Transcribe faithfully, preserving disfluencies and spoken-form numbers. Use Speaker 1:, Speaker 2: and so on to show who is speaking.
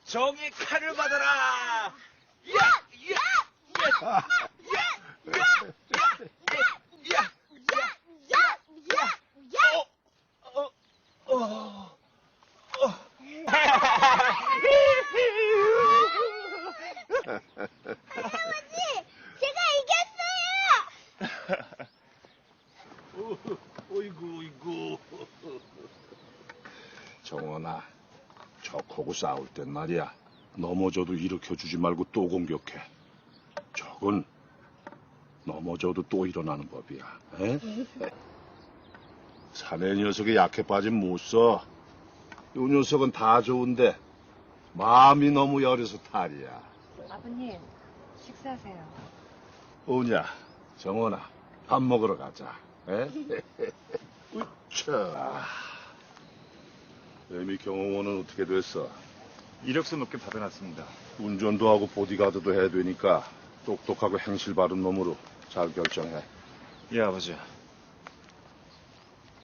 Speaker 1: 정의 칼을 받아라. 야! 야! 야! 야! 야! 야! 어? 어? 어?
Speaker 2: 할아버지, 제가 이겼어요.
Speaker 1: 어이구, 어이구.
Speaker 3: 정원아, 적하고 싸울 땐 말이야. 넘어져도 일으켜주지 말고 또 공격해. 적은 넘어져도 또 일어나는 법이야. 에? 사내 녀석이 약해 빠진 못 써. 요 녀석은 다 좋은데 마음이 너무 여려서 탈이야.
Speaker 4: 아버님, 식사하세요.
Speaker 3: 오냐, 정원아, 밥 먹으러 가자. 에? 우차. 애미 경호원은 어떻게 됐어?
Speaker 5: 이력서 몇 개 받아놨습니다.
Speaker 3: 운전도 하고 보디가드도 해야 되니까 똑똑하고 행실 바른 놈으로 잘 결정해.
Speaker 5: 예, 아버지.